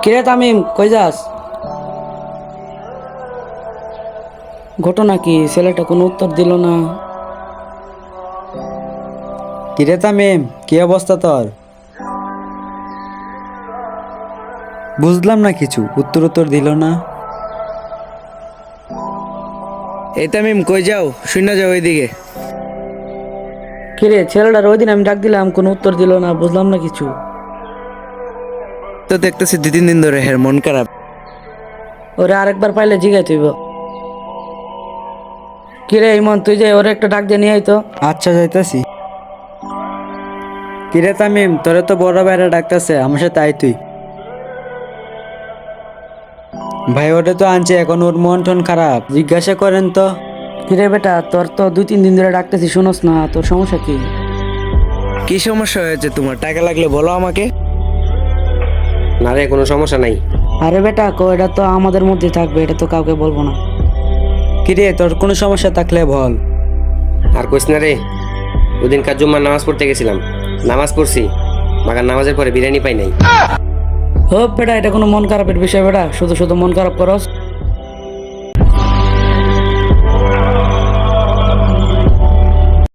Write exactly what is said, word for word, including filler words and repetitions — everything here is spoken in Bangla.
কিরে তামিম, কই যাস? ঘটনা কি? ছেলেটা কোনো উত্তর দিল না। কিরে তামিম, কি অবস্থা তোর? বুঝলাম না কিছু, উত্তর উত্তর দিল না। এই তামিম, কই যাও? শূন্য যাও ওইদিকে। কিরে, ছেলেটার ওই দিন আমি ডাক দিলাম, কোনো উত্তর দিল না, বুঝলাম না কিছু। তো দেখতেছি দুই তিন দিন ধরে হের মন খারাপ। ওরে আরেকবার পাইলে জিগাই তুইব। কিরে ইমন, তুই যে ওরে একটা ডাক দিয়ে নিয়ে আইতো। আচ্ছা, যাইতাছি। কিরে তামিম, তোরে তো বড় ভাইরা ডাকতেছে, আমার সাথে আই তুই। ভাই ওটা তো আনছে, এখন ওর মন টন খারাপ, জিজ্ঞাসা করেন তো। কিরে বেটা, তোর তো দুই তিন দিন ধরে ডাকতেছি, শুনোস না? তোর সমস্যা কি? কি সমস্যা হয়েছে তোমার? টাকা লাগলে বলো আমাকে। না রে, কোনো সমস্যা নাই। আরে বেটা, কো এটা তো আমাদের মধ্যে থাকবে, এটা তো কাউকে বলবো না। কিরে, তোর কোনো সমস্যা থাকলে বল। আর কইস না রে, ওদিন কার জুম্মার নামাজ পড়তে গেছিলাম, নামাজ পড়ছি, মাগার নামাজের পরে বিরিয়ানি পাই নাই। হোপ বেটা, এটা কোনো মন খারাপের বিষয় বেটা? শুধু শুধু মন খারাপ করস।